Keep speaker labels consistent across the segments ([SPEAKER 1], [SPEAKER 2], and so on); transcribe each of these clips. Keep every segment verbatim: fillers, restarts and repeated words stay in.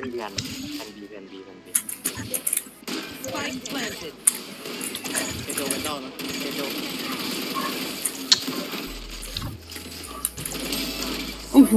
[SPEAKER 1] มีแผนแผนบีแผนบีแผนบี
[SPEAKER 2] Spike planted.
[SPEAKER 3] เอโดเป็นนอกนะเอโด
[SPEAKER 4] โอ้โห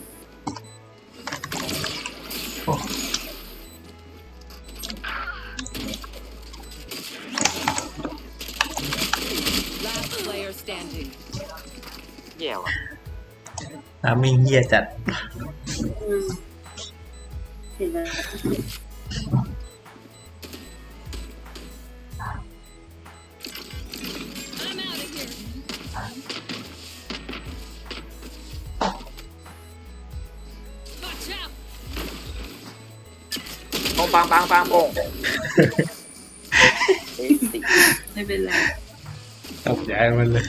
[SPEAKER 2] Last player standing.
[SPEAKER 1] แย่ว่ะ
[SPEAKER 5] น้ำมิงเหี้ยจัด
[SPEAKER 4] อืมเห็นแล้ว
[SPEAKER 2] I'm out of here.
[SPEAKER 3] ปงปังปังปังปง
[SPEAKER 1] เอ๊ะติ
[SPEAKER 4] ไม่เป็นไร
[SPEAKER 5] ตกใจมันเลย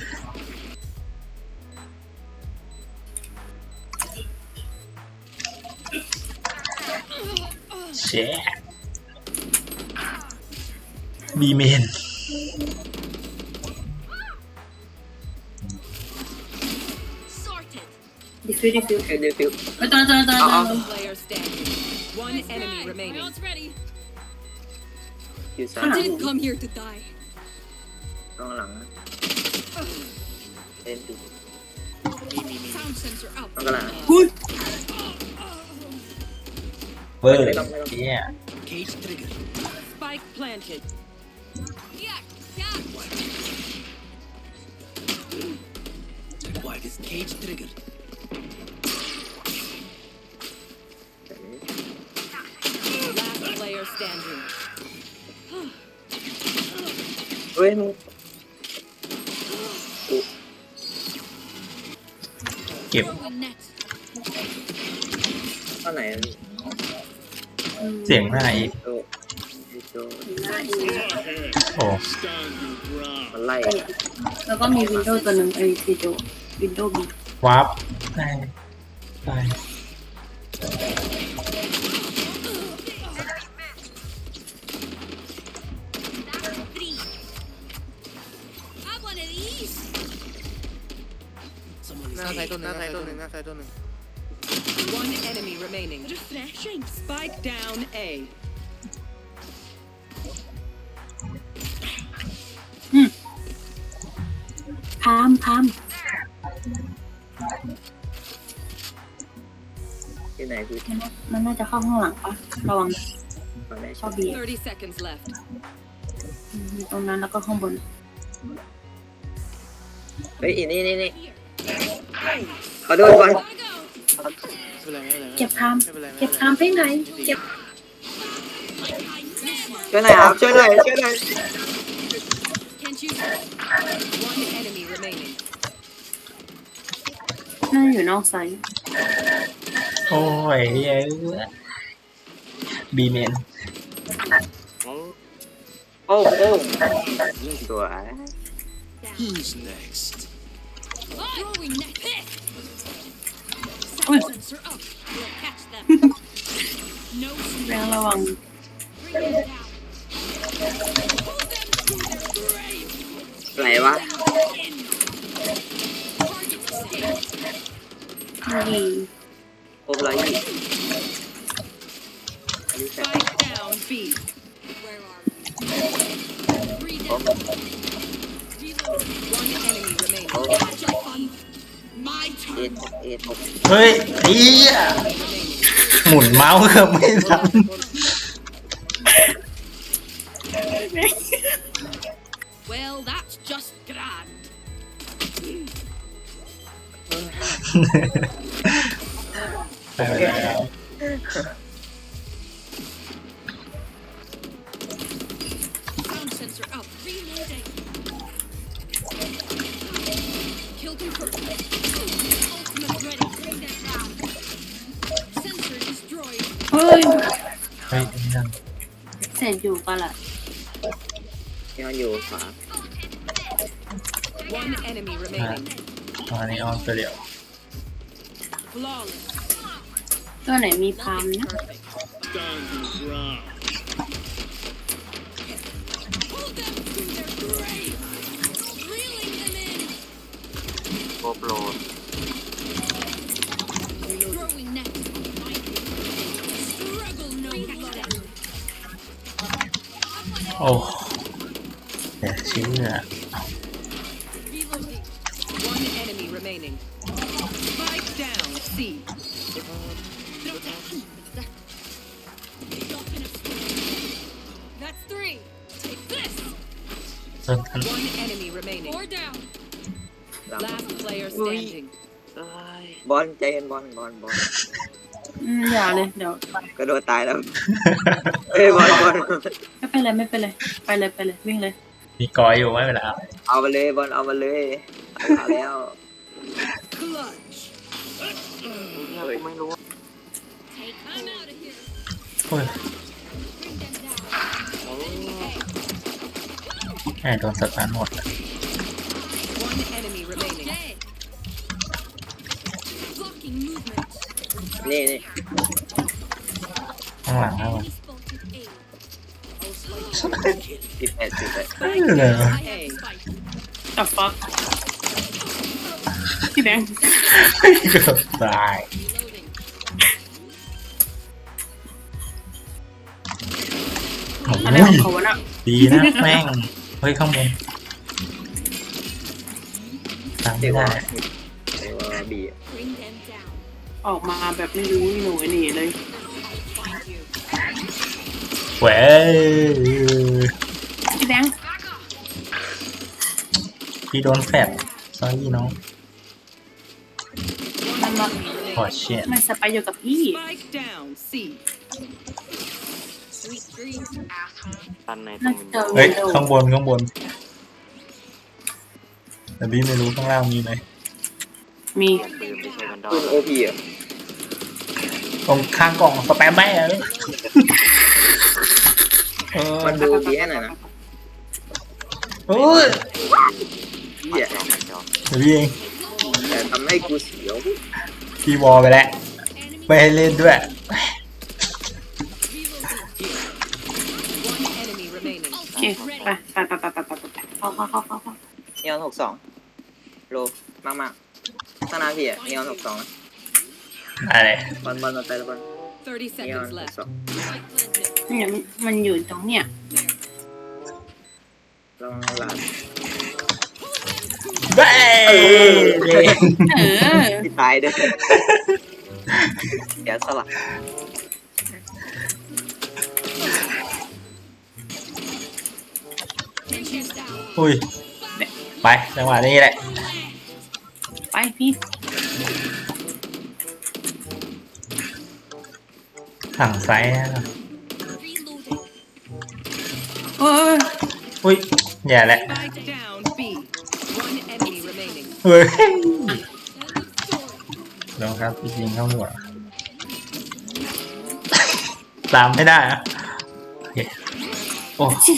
[SPEAKER 5] เชะบีเมน
[SPEAKER 2] Sorted.
[SPEAKER 4] ดิฟิวดิฟิว
[SPEAKER 3] เอเดฟิว
[SPEAKER 4] ไปตอนตอนตอนตอน
[SPEAKER 2] Player standing. One enemy remaining.
[SPEAKER 6] Round's ready.
[SPEAKER 3] อยู่ซ้าย
[SPEAKER 4] Ah.
[SPEAKER 6] Didn't come here to die.
[SPEAKER 3] ต้องหลังนะ
[SPEAKER 1] เล่นดู
[SPEAKER 3] มีมีมี
[SPEAKER 6] Sound sensor up.
[SPEAKER 3] ต้องกระหลัง
[SPEAKER 4] พูด
[SPEAKER 5] เวอร์
[SPEAKER 3] ไม่ต้องไม่ต้อง
[SPEAKER 5] เนี่ย
[SPEAKER 2] Spike planted.
[SPEAKER 6] Yeah, yeah.
[SPEAKER 2] Last player standing.
[SPEAKER 3] เฮ้ยมึง
[SPEAKER 5] เก็บ
[SPEAKER 6] Throwing net.
[SPEAKER 3] ข้างไหน
[SPEAKER 5] เสียงหน้าอีก
[SPEAKER 3] โดโด
[SPEAKER 4] หน้าอีก
[SPEAKER 5] โอ้
[SPEAKER 3] มันไล่
[SPEAKER 4] แล้วก็มีวินโดว์ตัวหนึ่งไอ้ทีโดวินโดว์บี
[SPEAKER 5] วาร์ปได้ได้
[SPEAKER 6] Three. Have one of these.
[SPEAKER 3] หน้าไซต์ตัวหนึ่งหน้าไซต์ตัวหนึ่งหน้าไซต์ตัวหนึ่ง
[SPEAKER 2] One enemy remaining.
[SPEAKER 6] Refreshing.
[SPEAKER 2] Spike down A.
[SPEAKER 4] พามพาม
[SPEAKER 3] ที่ไหนคือ
[SPEAKER 4] มันน่ามันน่าจะเข้าข้างหลังปะระวัง
[SPEAKER 3] ฝั่งไหน
[SPEAKER 4] เข้าบี
[SPEAKER 2] Thirty seconds left.
[SPEAKER 4] ตรงนั้นแล้วก็ข้างบน
[SPEAKER 3] เฮ้ยอีนี่นี่นี่ขอโดนก่อน
[SPEAKER 6] Gotta go.
[SPEAKER 3] ไม่เป็นไรไม่เป็นไร
[SPEAKER 4] เก็บพาม
[SPEAKER 3] ไม่เป็นไร
[SPEAKER 4] เก็บพามไปไหนเก็บ
[SPEAKER 3] ช่วยหน่อยครับช่วยหน่อยช่วยหน่อย
[SPEAKER 6] Can't use
[SPEAKER 2] One enemy remaining.
[SPEAKER 4] น่าอยู่นอกไซต์
[SPEAKER 5] โอ้ยเหี้ยบีเมน
[SPEAKER 1] โอ้
[SPEAKER 3] โอ้โอ้
[SPEAKER 1] สวย
[SPEAKER 6] throwing net. Pick.
[SPEAKER 4] โอ้ย
[SPEAKER 6] Sound sensor up. We'll catch them. No
[SPEAKER 4] แรงระวัง
[SPEAKER 6] bring them down. Pull them to their grave.
[SPEAKER 3] ไหนวะ
[SPEAKER 6] In. Target stay.
[SPEAKER 4] นี่
[SPEAKER 3] โอ้ไรอีกอันนี้แฟน
[SPEAKER 2] Spike down B.
[SPEAKER 6] Where are we? Three down. Reload.
[SPEAKER 2] One enemy remaining.
[SPEAKER 6] Catch up on my
[SPEAKER 3] เอ็ด
[SPEAKER 6] turn.
[SPEAKER 3] หกเอ็ดหก
[SPEAKER 5] เฮ้ยไอ้เหี้ย
[SPEAKER 2] Remaining.
[SPEAKER 5] หมุนเมาส์เกือบไม่ทัน
[SPEAKER 6] Well, that's just grand.
[SPEAKER 5] ไปแล้ว
[SPEAKER 6] Sound sensor up. Reloading. Kill confirmed. Ultimate ready. Bring them down. Sensor destroyed.
[SPEAKER 4] เฮ้ย
[SPEAKER 5] เฮ้ยนั่น
[SPEAKER 4] เสร็จอยู่ปะล่ะ
[SPEAKER 3] ยังอยู่ขวา
[SPEAKER 2] One enemy remaining.
[SPEAKER 5] ตอนนี้ออนตัวเดียว
[SPEAKER 2] Flawless.
[SPEAKER 4] ตัวไหนมีพามนะ
[SPEAKER 6] Hold them to their grave. Reeling them in.
[SPEAKER 1] โกโปร
[SPEAKER 6] Throwing net. Struggle
[SPEAKER 5] โอ้เดี๋ยวเชื่อ
[SPEAKER 6] Reloading.
[SPEAKER 2] One enemy remaining. Spike down. C.
[SPEAKER 6] That's three. Take this.
[SPEAKER 5] เริ่มทัน
[SPEAKER 2] One enemy remaining.
[SPEAKER 6] Four down.
[SPEAKER 1] หลัง
[SPEAKER 2] Last player standing.
[SPEAKER 1] บอลใจเย็นบอลบอลบอล
[SPEAKER 4] อืมอย่าเลยเดี๋ยว
[SPEAKER 1] กระโดดตายแล้วเอ้ยบอลบอล
[SPEAKER 4] ไม่เป็นไรไม่เป็นไรไปเลยไปเลยวิ่งเลย
[SPEAKER 5] มีกอยอยู่ไม่เป็นไรครับ
[SPEAKER 1] เอาไปเลยบอลเอาไปเลยเอาแล้ว
[SPEAKER 2] Clutch.
[SPEAKER 1] เฮ้ยไม่รู้
[SPEAKER 6] Take. I'm out of here.
[SPEAKER 5] โอ้ย
[SPEAKER 6] Bring them down.
[SPEAKER 5] แค่โดนสตาร์ทหมด
[SPEAKER 2] One enemy remaining.
[SPEAKER 6] Dead. Blocking movement.
[SPEAKER 1] นี่นี่
[SPEAKER 5] ข้างหลังแล้ว
[SPEAKER 6] Enemy spotted A.
[SPEAKER 1] สิบแปดสิบแปด
[SPEAKER 5] ไม่เลย
[SPEAKER 6] I have the spike.
[SPEAKER 4] จับฟักพี่แบงค์
[SPEAKER 5] เกือบตาย
[SPEAKER 6] Reloading.
[SPEAKER 5] โอ้
[SPEAKER 4] อะไรของเขาวะน่ะ
[SPEAKER 5] ดีนะแม่งเฮ้ยข้างบนตาม
[SPEAKER 1] เรี
[SPEAKER 5] ไม่
[SPEAKER 1] ยกว่า
[SPEAKER 5] ได้
[SPEAKER 1] เรียกว่าบี
[SPEAKER 6] Bring them down.
[SPEAKER 4] ออกมาแบบไม่รู้หนูไอ้นี่เลย
[SPEAKER 6] Find you.
[SPEAKER 5] เว้ย
[SPEAKER 4] พี่แบงค์
[SPEAKER 5] พี่โดนแฟดซอรี่น้อง
[SPEAKER 4] มันมา
[SPEAKER 5] พอเชียน
[SPEAKER 4] มันสไปอยู่กับพี่
[SPEAKER 2] Spike down. C.
[SPEAKER 6] Sweet dreams.
[SPEAKER 1] ตันในตร
[SPEAKER 4] น่าง จะ
[SPEAKER 5] เฮ้ย
[SPEAKER 4] เร็ว
[SPEAKER 5] ข้างบนข้างบนแต่พี่ไม่รู้ข้างล่างมีไหม
[SPEAKER 4] มี
[SPEAKER 1] ปืนโอพีอ่ะ
[SPEAKER 5] ตรงข้างกล่องสแปมแม่เลยเออ
[SPEAKER 1] มันดูดีแค่ไหนนะ
[SPEAKER 5] โอ้ย
[SPEAKER 1] เหี้ย
[SPEAKER 5] เดี๋ยวพี่เอง
[SPEAKER 1] แต่ทำให้กูเสียว
[SPEAKER 5] พี่วอลไปแล้วไม่ให้เล่นด้วย
[SPEAKER 2] One enemy remaining.
[SPEAKER 4] โอเคไปไปไปไปไปไปไปเข้าเข้าเข้าเข้าเข้า
[SPEAKER 1] นีออนหกสองโลมากมากๆข้างหน้าพี่อ่ะนีออนหกสอง
[SPEAKER 5] อะไร
[SPEAKER 1] บอลบอลมาไปแล้วบอล
[SPEAKER 2] Thirty
[SPEAKER 1] นีออน
[SPEAKER 2] seconds
[SPEAKER 1] หก
[SPEAKER 2] left.
[SPEAKER 1] สอง
[SPEAKER 6] Spike planted.
[SPEAKER 4] เนี่ยมันอยู่ตรงเนี้ย
[SPEAKER 1] ลองหลาน
[SPEAKER 5] เบ้เล่น
[SPEAKER 4] เออ
[SPEAKER 1] ที่ตายเด้อเดี๋ยวสลับ
[SPEAKER 6] Bring them down.
[SPEAKER 5] อุ้ยไปจังหวะนี้แหละ
[SPEAKER 4] ไปพี่
[SPEAKER 5] สั่งไซส์นะ
[SPEAKER 6] Reloading.
[SPEAKER 4] เออ
[SPEAKER 5] อุ้ยแย่แล้ว
[SPEAKER 2] Spike down. B. One enemy remaining.
[SPEAKER 5] เฮ้ย
[SPEAKER 6] End of story.
[SPEAKER 5] ลองครับจริงๆเข้าหัวตามไม่ได้อะโอเคโอ้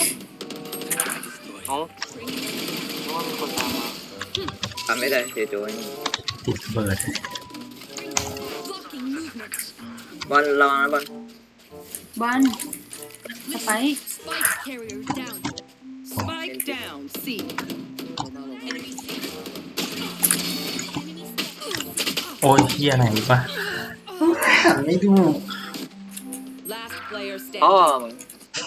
[SPEAKER 1] ทำไม่ได้เสียโจย
[SPEAKER 5] ติดเบิร์ด
[SPEAKER 6] Blocking movement.
[SPEAKER 1] บอลระวังนะบอล
[SPEAKER 4] บ้านสไป
[SPEAKER 6] Spike carrier down.
[SPEAKER 2] Spike down. C.
[SPEAKER 6] Enemy seen. Enemy spotted.
[SPEAKER 5] โอ้ยเฮียไหนปะหันไม่ดู
[SPEAKER 2] Last player
[SPEAKER 1] อ๋อ
[SPEAKER 2] standing.
[SPEAKER 1] มึง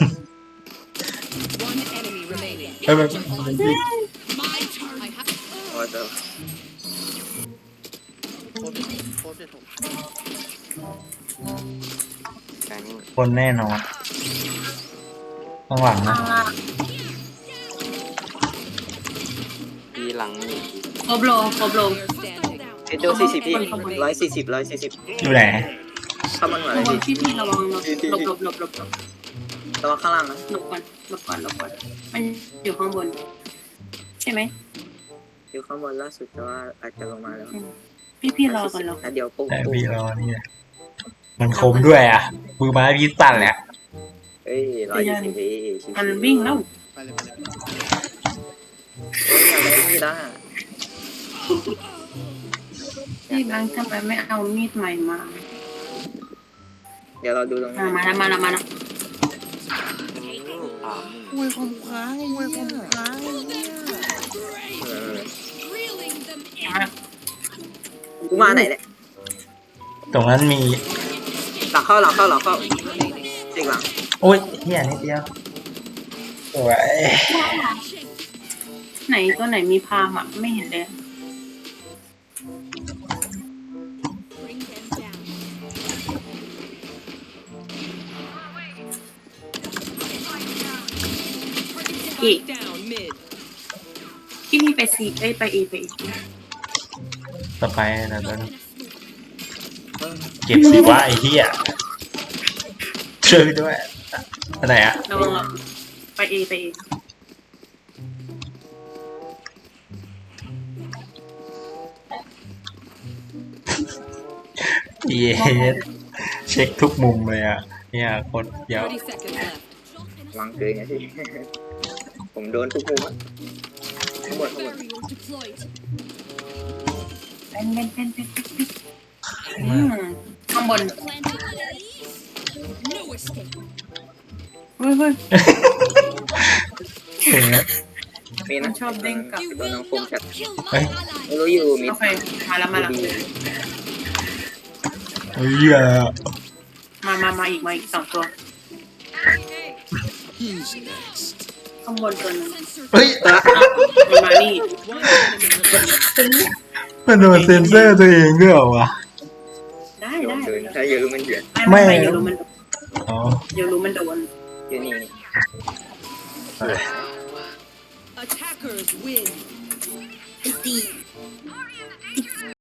[SPEAKER 2] One enemy remaining.
[SPEAKER 5] เฮ้ยมันมันดิ
[SPEAKER 6] My turn. I have.
[SPEAKER 1] โอ้ยเจ้า
[SPEAKER 5] คนแน่นอนข้างหลังนะ
[SPEAKER 4] ข้างล่าง
[SPEAKER 1] ปีหลังนี่
[SPEAKER 4] โคบโลโคบโล
[SPEAKER 2] Player standing.
[SPEAKER 1] เสียโจสี่สิบพี่ร้อยสี่สิบร้อยสี่สิบ
[SPEAKER 5] อยู่ไหน
[SPEAKER 1] เข้ามันหน่อย
[SPEAKER 4] ระวัง
[SPEAKER 1] พี่
[SPEAKER 4] พี่พี่ระวังหลบหลบหลบหลบหลบหลบ
[SPEAKER 1] ระวังข้างล่างนะ
[SPEAKER 4] หลบก่อนหลบก่อนหลบก่อนมันอยู่ข้างบน ใช่ไหม
[SPEAKER 1] อยู่ข้างบนล่าสุดแต่ว่าอาจจะลงมาแล้ว
[SPEAKER 4] พี่พี่รอก่อนรอ
[SPEAKER 1] อ่ะเดี๋ยวปุ๊บ
[SPEAKER 5] แต่
[SPEAKER 1] ปุ๊บ
[SPEAKER 5] พี่รอนี่นะมันคมด้วยอ่ะมือไม้พี่สั่นแหละ
[SPEAKER 1] เอ้ยร้อยยี่สิบพี่ชิวๆ
[SPEAKER 4] มันวิ่งแล้ว
[SPEAKER 1] เฮ้ยอะไรนี่ล่ะ
[SPEAKER 4] พี่แบงค์ทำไมไม่เอามีดใหม่มา
[SPEAKER 1] เดี๋ยวเราดูตรงนี้
[SPEAKER 4] มามาแล้วมาแล้วมาแล้ว
[SPEAKER 1] เออ
[SPEAKER 6] Reeling them in.
[SPEAKER 4] มา
[SPEAKER 1] กูมาไหนเนี่ย
[SPEAKER 5] ตรงนั้นมี
[SPEAKER 1] หลังเข้าหลังเข้าหลังเข้า
[SPEAKER 2] Remaining.
[SPEAKER 1] จริงหลัง
[SPEAKER 5] โอ้ยเฮียนิดเดียวสวย
[SPEAKER 4] ไหนตัวไหนมีพามอ่ะไม่เห็นเลย
[SPEAKER 6] Bring them down.
[SPEAKER 4] อีก
[SPEAKER 2] Down mid.
[SPEAKER 4] ที่นี่ไปซีเอ้ยไปเอไป A
[SPEAKER 5] ต่อไปนะตัวนี้เก็บสิวะไอ้เหี้ยช่วยด้วยอันไหนอะ
[SPEAKER 4] ระวังระวังไปเอไปเอ
[SPEAKER 5] เย้เช็คทุกมุมเลยอะเนี่ยโคตรเยอะ
[SPEAKER 2] thirty seconds left.
[SPEAKER 1] วางเกินไงพี่ ผมโดนทุกมุมอะทั้งหมดทั้งหมด
[SPEAKER 6] Barrier deployed.
[SPEAKER 4] เป็นเป็นเป็นเป็นเป็นอืมข้างบน
[SPEAKER 6] Planted enemies. No escape.
[SPEAKER 4] เฮ้ยเฮ้ย
[SPEAKER 5] เห็นไหม
[SPEAKER 1] มีนะ
[SPEAKER 4] ชอบเด้งกลับ
[SPEAKER 6] You
[SPEAKER 1] ตัว
[SPEAKER 6] will
[SPEAKER 1] น้องคม
[SPEAKER 6] not
[SPEAKER 1] จัด
[SPEAKER 6] kill my
[SPEAKER 5] Hey.
[SPEAKER 6] ally.
[SPEAKER 1] ไม่รู้อยู่มิด
[SPEAKER 4] โอเคมาแล้วมาแล้ว
[SPEAKER 1] ดี
[SPEAKER 5] เฮ้ยอะ
[SPEAKER 4] มามามาอีกมาอีกสองตัว
[SPEAKER 7] Who's next?
[SPEAKER 4] ข้างบนตัวหนึง
[SPEAKER 6] Sensor
[SPEAKER 5] เฮ้ย
[SPEAKER 4] มันมานี่
[SPEAKER 2] One enemy remaining.
[SPEAKER 5] มันโดนเซ็นเซอร์ตัวเองด้วยเหรอวะ
[SPEAKER 4] ได้
[SPEAKER 1] โด
[SPEAKER 4] ได้
[SPEAKER 1] นเกินถ้าเยอะมันเดือด
[SPEAKER 4] ไม่
[SPEAKER 5] ไม่
[SPEAKER 4] ไม่เดี๋ยวรู้มัน
[SPEAKER 5] อ๋อ
[SPEAKER 4] เดี๋ยวรู้มันโดน
[SPEAKER 1] อยู่นี่
[SPEAKER 2] Attackers win.
[SPEAKER 4] ไอ้ตี